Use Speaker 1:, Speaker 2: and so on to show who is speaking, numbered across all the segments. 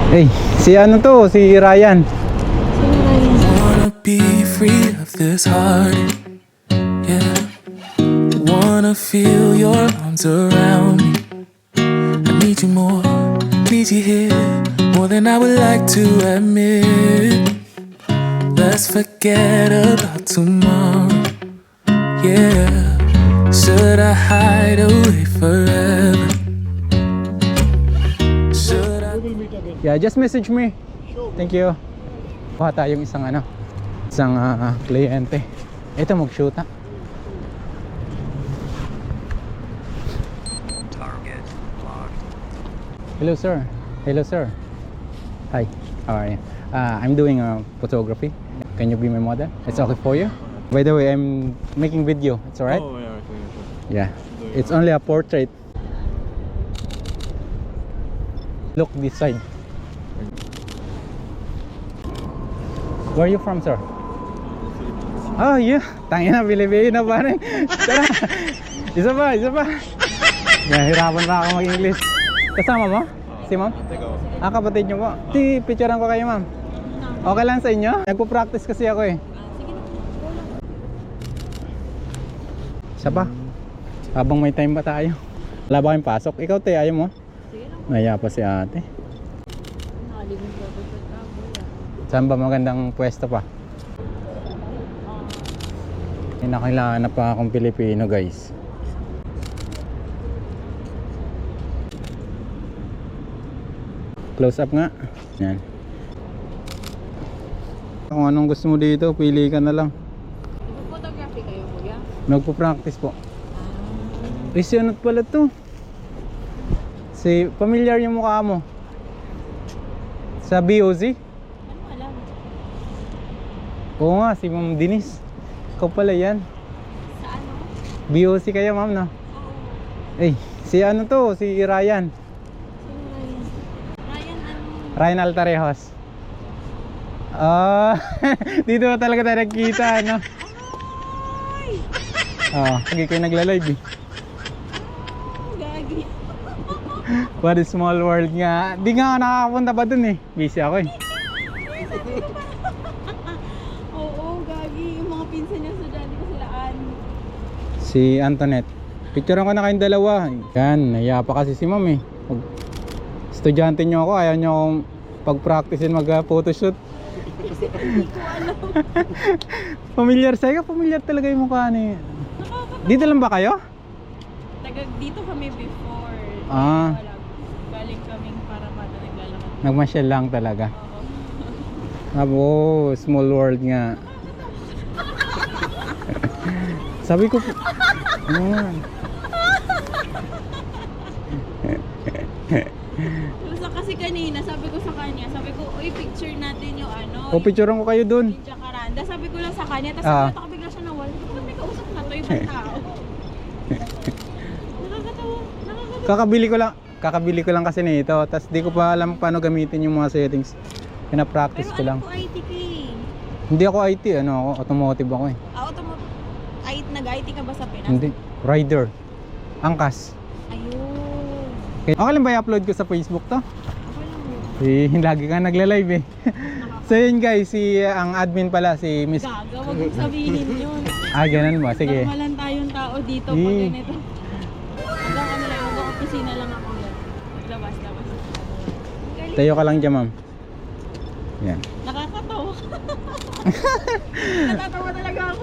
Speaker 1: Hey, si ano to? Si Ryan.
Speaker 2: Wanna be free of this heart, yeah. Wanna feel your arms around me. I need you more, need you here, more than I would like to admit. Let's forget about tomorrow, yeah. Should I hide away forever? Should I...
Speaker 1: Yeah, just message me. Thank you. Kuha tayong isang kliyente. Ito mag-shoot ha. Hello sir. Hello sir. Hi. How are you? I'm doing photography. Can you be my model? It's okay for you? By the way, I'm making video. It's alright?
Speaker 3: Oh, yeah, okay.
Speaker 1: Yeah. It's only a portrait. Look this side. Where are you from, sir? Oh, yeah. Tangin na, Pilipino pa rin. Tara. Isa pa. Nahirapan pa ako mag-English. Kasama mo? Si ma'am? Kapatid nyo po. Picturean ko kayo, ma'am. Okay lang sa inyo? Nagpo-practice kasi ako eh. Isa pa. Habang may time pa tayo. Wala ba kayong pasok? Ikaw, te, ayaw mo?
Speaker 4: Sige lang.
Speaker 1: Naya pa si ate.
Speaker 4: Nakalimit ko ako sa travel.
Speaker 1: Saan ba magandang pwesto pa? Nakailangan na pa akong Pilipino, guys. Close up nga. Yan. Kung anong gusto mo dito, pili ka na lang.
Speaker 4: Nagpo-photography kayo, kuya?
Speaker 1: Nagpo-practice po. Isyonot pala to. Si familiar yung mukha mo. Sa BOZ?
Speaker 4: Ano alam?
Speaker 1: Oo nga, si Ma'am Denise. Ikaw pala yan.
Speaker 4: Sa ano?
Speaker 1: BOC kayo, ma'am, no?
Speaker 4: Oo.
Speaker 1: Eh, si ano to? Si Ryan.
Speaker 4: Sino Ryan? Ryan ano?
Speaker 1: Ryan Altarejos. Dito na talaga tayo nagkita, no?
Speaker 4: Ay!
Speaker 1: Hindi kayo nagla-live eh.
Speaker 4: Gagi.
Speaker 1: What a small world nga. Di nga ako nakakapunta pa dun eh. Busy ako eh.
Speaker 4: Oo, gagi. Yung mga pinsan niya sa dali ko silaan.
Speaker 1: Si Antoinette. Picturean ko na kayong dalawa. Yan, nahiya pa kasi si ma'am eh. Estudyante nyo ako, ayaw nyo akong pag-practicein mag-photoshoot.
Speaker 4: Hindi ko alam.
Speaker 1: Familiar sa'yo? Familiar talaga yung mukha ni... Dito lang ba kayo?
Speaker 4: Dito kami before.
Speaker 1: Ah.
Speaker 4: Wala. Galing kaming para mata naglalakad.
Speaker 1: Nagmasyal lang talaga.
Speaker 4: Oo.
Speaker 1: Small world nga. Sabi ko...
Speaker 4: Basta kasi kanina, sabi ko sa kanya, sabi ko, uy, picture natin yung ano.
Speaker 1: picturean ko kayo dun.
Speaker 4: Yung Jacaranda. Sabi ko lang sa kanya, tapos sabi ko bigla siya nawala. Sabi ko, may kausap na to, ibang tao. Nakakatawa.
Speaker 1: Kakabili ko lang kasi nito. Tapos di ko pa alam paano gamitin yung mga settings. Pina-practice ko
Speaker 4: Pero
Speaker 1: lang.
Speaker 4: ano ko IT ka eh?
Speaker 1: Hindi ako IT, ako automotive ako eh.
Speaker 4: Nag-IT ka ba sa Pinas?
Speaker 1: Hindi, rider. Angkas.
Speaker 4: Ayun.
Speaker 1: Okay lang ba i-upload ko sa Facebook to?
Speaker 4: Okay lang.
Speaker 1: Lagi ka nagla-live eh. So yun guys, ang admin pala si Miss...
Speaker 4: Gaga, wag mong sabihin yun.
Speaker 1: Ganun ba? Sige.
Speaker 4: Normalan tayong tao dito pag ganito. Hanggang ano lang, hanggang opisina lang ako yan. Labas. Galing.
Speaker 1: Tayo ka lang dyan, ma'am. Yan.
Speaker 4: Nakakatawa. Natatawa talaga ako.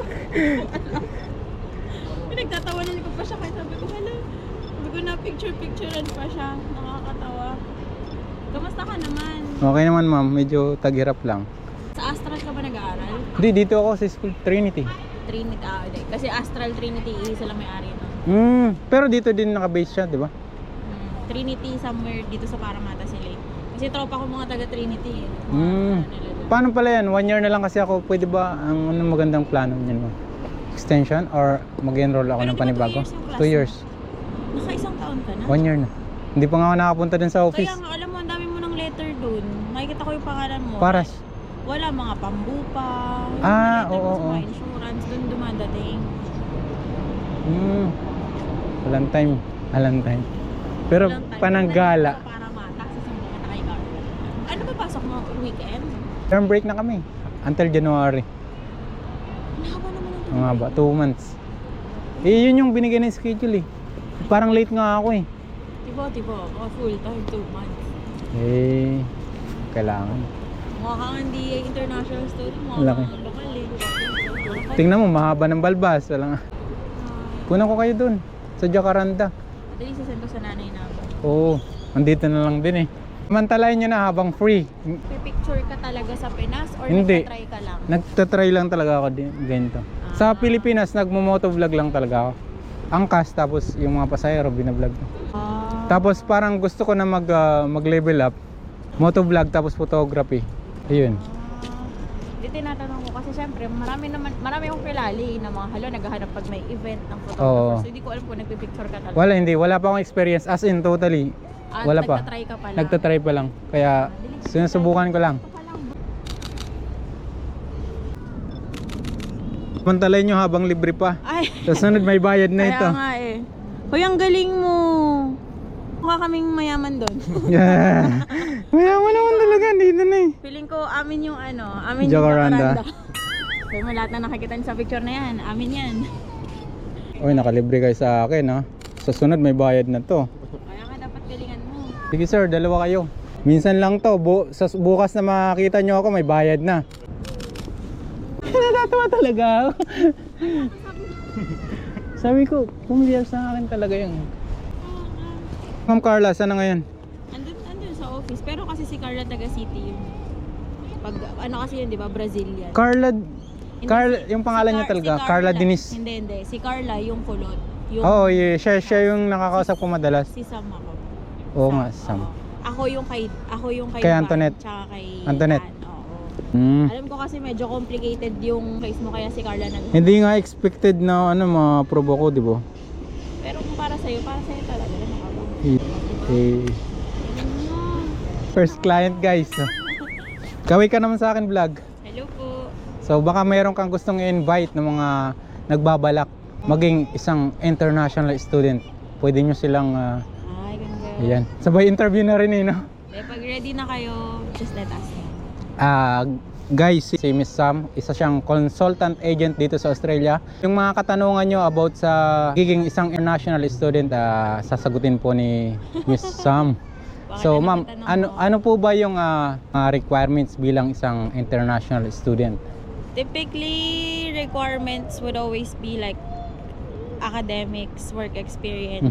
Speaker 4: Pinagtatawanan ko pa siya kaya sabi ko, hala. Sabi ko na picturean pa siya. Nakakatawa. Kamusta ka naman?
Speaker 1: Okay naman, ma'am. Medyo taghirap lang.
Speaker 4: Sa Astral ka ba nag-aaral?
Speaker 1: Hindi, dito ako sa school Trinity.
Speaker 4: Trinity, hindi. Kasi Astral Trinity, isa lang may-ari nun.
Speaker 1: Pero dito din naka-base siya, di ba?
Speaker 4: Trinity somewhere dito sa Paramata sila eh. Kasi tropa ko mga taga Trinity eh.
Speaker 1: Paano pala yan? 1 year na lang kasi ako. Pwede ba ang magandang plano niyan mo? Extension or mag-enroll ako
Speaker 4: Pero
Speaker 1: ng
Speaker 4: di ba
Speaker 1: panibago?
Speaker 4: 2 years yung
Speaker 1: 2 years.
Speaker 4: Naka-isang taon ka na?
Speaker 1: 1 year na. Hindi pa nga ako nakapunta din sa office.
Speaker 4: Kaya nga, alam mo, ang dami mo ng letter dun. Makikita ko yung pangalan mo.
Speaker 1: Paras.
Speaker 4: Wala, mga pambupa. Yung
Speaker 1: Ah,
Speaker 4: mga letter mo
Speaker 1: oo,
Speaker 4: sa mga
Speaker 1: oo.
Speaker 4: insurance, dun dumadating.
Speaker 1: Walang time. Pero
Speaker 4: Walang time.
Speaker 1: pananggala.
Speaker 4: Sa Paramata, sa Sumbukan na kay Carl. Ano ba pasok mo? Weekend?
Speaker 1: Term break na kami. Until January.
Speaker 4: Nahaba naman ang
Speaker 1: Mga ba? 2 months. Eh, yun yung binigay ng schedule eh. Parang late nga ako eh.
Speaker 4: Tibo. Full time, 2 months.
Speaker 1: Eh, kailangan.
Speaker 4: Mukha kang hindi international student. Mukha
Speaker 1: Laki.
Speaker 4: kang lokal eh.
Speaker 1: Tingnan mo, mahaba ng balbas. Wala nga. Kunan ko kayo dun. Sa Jacaranda.
Speaker 4: Madali sasend ko sa nanay namin.
Speaker 1: Oo. Andito na lang din eh. Mantalayan nyo na habang free.
Speaker 4: Pipicture ka talaga sa Pinas or
Speaker 1: Hindi.
Speaker 4: nagtatry ka lang?
Speaker 1: Nagtatry lang talaga ako din ganito. Sa Pilipinas, nagmo-motovlog lang talaga ako. Angkas, tapos yung mga pasahero binablog ko. Tapos parang gusto ko na mag-level up. Motovlog tapos photography. Ayun.
Speaker 4: Di tinatanong ko kasi syempre marami akong kilali na mga naghahanap pag may event ng
Speaker 1: Oo.
Speaker 4: photographer. So hindi ko alam kung nagpipicture ka talaga.
Speaker 1: Wala pa akong experience as in totally. Wala pa.
Speaker 4: Nagtatry ka pala.
Speaker 1: Nagtatry pa lang. Kaya sinusubukan ko lang. Mantalayan nyo habang libre pa.
Speaker 4: Ay,
Speaker 1: Sa sunod may bayad na ito.
Speaker 4: kaya nga eh. Hoy, ang galing mo. Mukha kaming mayaman doon.
Speaker 1: Yeah. Mayaman naman talaga. Dito na eh.
Speaker 4: Feeling ko amin yung amin
Speaker 1: Jacaranda.
Speaker 4: yung Jacaranda. Kaya mo lahat na nakikita niyo sa picture na yan, amin yan.
Speaker 1: Uy, nakalibre kayo sa akin ha. Sa sunod may bayad na to.
Speaker 4: Kaya nga dapat galingan mo.
Speaker 1: Sige sir, dalawa kayo. Minsan lang to. Bukas na makakita nyo ako may bayad na. Natatawa talaga ako. Sabi ko, pumiliyar sa akin talaga yun. Ma'am Carla, saan na ngayon?
Speaker 4: Andun sa office, pero kasi si Carla taga City yun. Pag kasi yun, di ba, Brazilian.
Speaker 1: Carla,
Speaker 4: Hindi,
Speaker 1: yung pangalan niya talaga, Carla Dinis.
Speaker 4: Hindi. Si Carla, yung kulot. Yung,
Speaker 1: Oo, yeah, siya yung nakakausap ko madalas.
Speaker 4: Si Sam ako.
Speaker 1: Oo nga, Sam.
Speaker 4: Oo. Ako yung kay
Speaker 1: Kay
Speaker 4: Van,
Speaker 1: Antoinette.
Speaker 4: Tsaka kay
Speaker 1: Antoinette.
Speaker 4: Van, oo.
Speaker 1: Hmm.
Speaker 4: Alam ko kasi medyo complicated yung case mo, kaya si Carla
Speaker 1: Hindi nga expected na ma-probe ko, di ba?
Speaker 4: Pero kung para sa'yo talaga. Nakabang.
Speaker 1: Eh, first client guys. Kaway ka naman sa akin vlog.
Speaker 4: Hello po.
Speaker 1: So baka mayroon kang gustong i-invite ng mga nagbabalak maging isang international student. Pwede nyo silang
Speaker 4: Ay, ganda.
Speaker 1: ayan. Sabay interview na rin eh, no?
Speaker 4: Pag ready na kayo, just let us know.
Speaker 1: Guys, si Miss Sam, isa siyang consultant agent dito sa Australia. Yung mga katanungan nyo about sa giging isang international student, sasagutin po ni Miss Sam. So ma'am, ano po ba yung requirements bilang isang international student?
Speaker 4: Typically, requirements would always be like academics, work experience,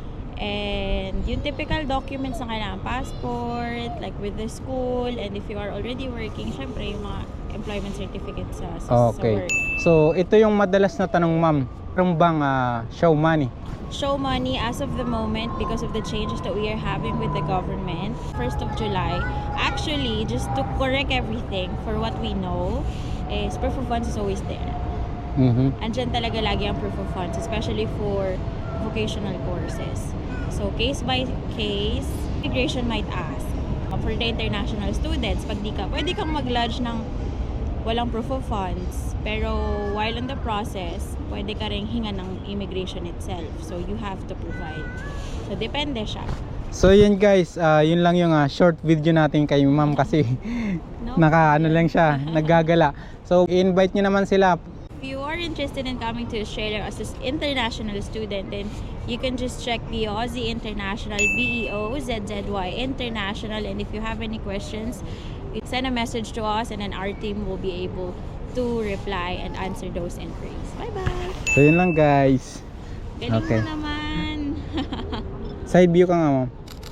Speaker 4: and yung typical documents na kailangan, passport, like with the school, and if you are already working, syempre yung mga employment certificates sa
Speaker 1: Okay.
Speaker 4: work.
Speaker 1: So ito yung madalas na tanong ma'am. Meron bang show money?
Speaker 4: Show money as of the moment because of the changes that we are having with the government. 1st of July. Actually, just to correct everything for what we know, is proof of funds is always there. Andyan talaga lagi ang proof of funds, especially for vocational courses. So, case by case, immigration might ask. For the international students, pag di ka, pwede kang mag-lodge ng walang proof of funds. Pero, while in the process, pwede ka rin hinga ng immigration itself. So, you have to provide. So, depende siya.
Speaker 1: So yun guys, yun lang yung short video natin kay ma'am kasi
Speaker 4: No?
Speaker 1: lang siya, naggagala. So i-invite nyo naman sila.
Speaker 4: If you are interested in coming to Australia as an international student, then you can just check the Aussie International, BEOZZY International, and if you have any questions, you send a message to us and then our team will be able to reply and answer those inquiries. Bye-bye!
Speaker 1: So yun lang guys.
Speaker 4: Galing
Speaker 1: Okay.
Speaker 4: mo naman!
Speaker 1: Side view ka nga ma'am.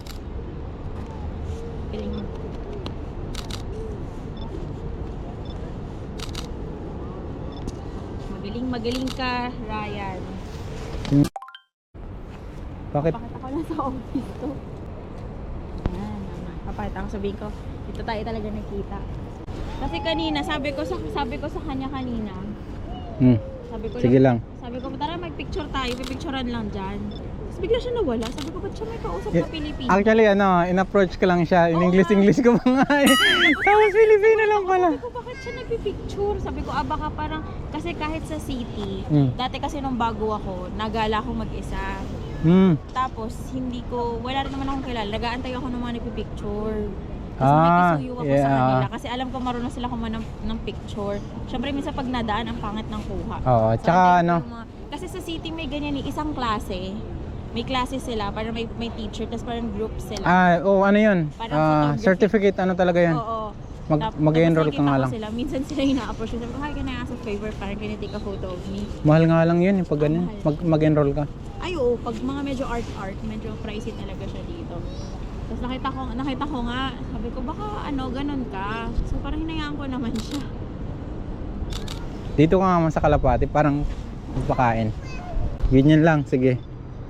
Speaker 4: Galing mo. Magaling ka, Ryan.
Speaker 1: Bakit?
Speaker 4: Pakita ko lang sa office to. Ayan, papakita ko, sabihin ko, dito tayo talaga nakita. Kasi kanina, sabi ko sa kanya kanina, sabi ko
Speaker 1: Sige lang.
Speaker 4: Sabi ko, tara mag-picture tayo, pipicturean lang dyan. Tapos bigla siya nawala. Sabi ko, ba't siya may kausap na Pilipino?
Speaker 1: Actually in-approach ko lang siya. In English ko pa nga eh. Tapos Filipino lang pala.
Speaker 4: Sabi ko, bakit siya nagpipicture? Sabi ko, baka parang, kasi kahit sa city, dati kasi nung bago ako, nagala ako mag-isa. Tapos, wala rin naman akong kilala. Nag-aantay ako ng mga nagpipicture. Tapos nakikisuyo ako sa
Speaker 1: yeah.
Speaker 4: kanila kasi alam ko marunong sila kumuha ng picture. Syempre minsan pag nadaan ang pangit ng kuha.
Speaker 1: Oo,
Speaker 4: So,
Speaker 1: tsaka
Speaker 4: antay ko
Speaker 1: ano,
Speaker 4: yung kasi sa city may ganyan isang klase. May klase sila, parang may teacher, tapos parang group sila.
Speaker 1: ano yun?
Speaker 4: Parang photography.
Speaker 1: Certificate, ano talaga yun?
Speaker 4: Oo.
Speaker 1: Mag-enroll ka
Speaker 4: nakikita
Speaker 1: nga
Speaker 4: ko
Speaker 1: lang.
Speaker 4: Sila. Minsan sila yung na-approach. Sabi ko, hi, can I ask a favor? Parang can you take a photo of me?
Speaker 1: Mahal nga lang yun, yung pag ganun.
Speaker 4: mahal.
Speaker 1: Mag-enroll ka.
Speaker 4: Ay, oo. Pag mga medyo art, medyo pricey talaga siya dito. Tapos nakita ko nga, sabi ko, baka ganun ka. So parang hinayaan ko naman siya.
Speaker 1: Dito ka nga man sa Kalapati, parang magpakain. Ganyan lang, sige.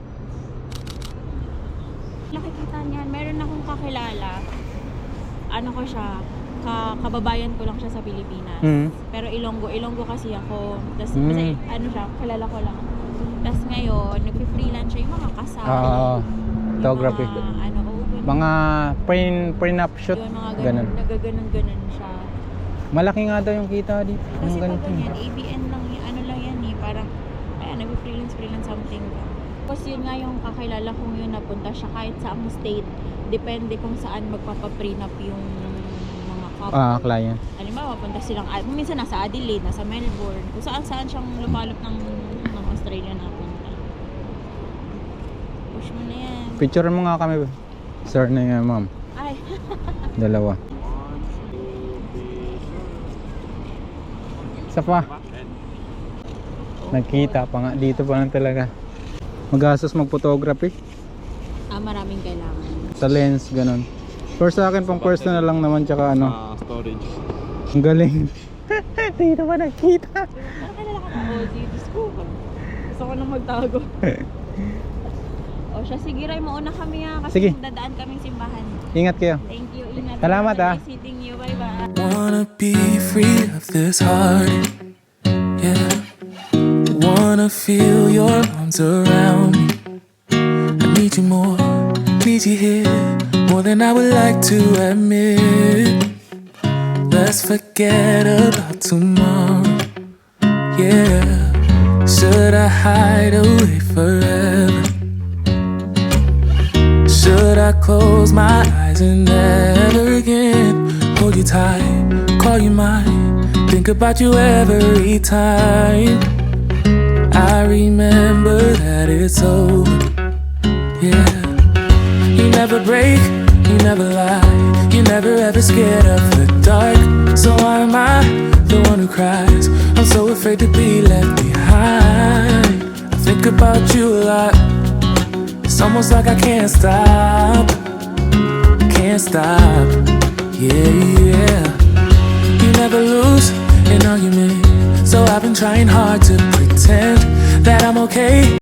Speaker 4: Nakikita niyan, meron akong kakilala. Ano ko siya, kababayan ko lang siya sa Pilipinas. Pero Ilonggo kasi ako. Tapos kasi siya, kilala ko lang. Tapos ngayon, nagpi-freelance siya yung mga kasal.
Speaker 1: Photography. Mga prenup shoot,
Speaker 4: Yung mga
Speaker 1: ganun.
Speaker 4: nagaganon siya.
Speaker 1: Malaki nga daw yung kita dito.
Speaker 4: Kasi
Speaker 1: Yung
Speaker 4: pag
Speaker 1: ganito.
Speaker 4: ganyan, ABN lang yan, lang yan eh. Parang, nagpi-freelance something ka. Tapos yun nga yung kakilala kong yun, napunta siya kahit sa ang state. Depende kung saan magpapaprenup yung mga couple.
Speaker 1: Client.
Speaker 4: Halimbawa, punta silang, minsan nasa Adelaide, nasa Melbourne, kung saan siyang lumalop ng Australia na punta. Push mo na yan.
Speaker 1: Picture mo nga kami, sir na yung ma'am.
Speaker 4: Ay,
Speaker 1: Dalawa. Isa pa. Nagkita pa nga. Dito pa lang talaga. Magastos mag-photography.
Speaker 4: maraming kailangan.
Speaker 1: Sa lens, ganun. For sa akin, pang personal lang naman, tsaka
Speaker 3: Storage.
Speaker 1: ang galing. Dito pa nagkita.
Speaker 4: Parang kilala ka na, OG. Diyos ko. Gusto ko nang magtago. O siya, sige Ray, mauna kami kasi
Speaker 1: Sige.
Speaker 4: dadaan kaming simbahan.
Speaker 1: Ingat kayo.
Speaker 4: Thank you, ingat.
Speaker 1: Salamat,
Speaker 4: Nice meeting you, bye-bye.
Speaker 2: Wanna be free of this heart, yeah. Wanna feel your arms around me. I need you more, need you here, more than I would like to admit. Let's forget about tomorrow, yeah. Should I hide away forever? Should I close my eyes and never again hold you tight, call you mine, think about you every time? I remember that it's over, yeah. You never break, you never lie, you never ever scared of the dark. So why am I the one who cries? I'm so afraid to be left behind. I think about you a lot. It's almost like I can't stop, yeah. You never lose an argument, so I've been trying hard to pretend that I'm okay.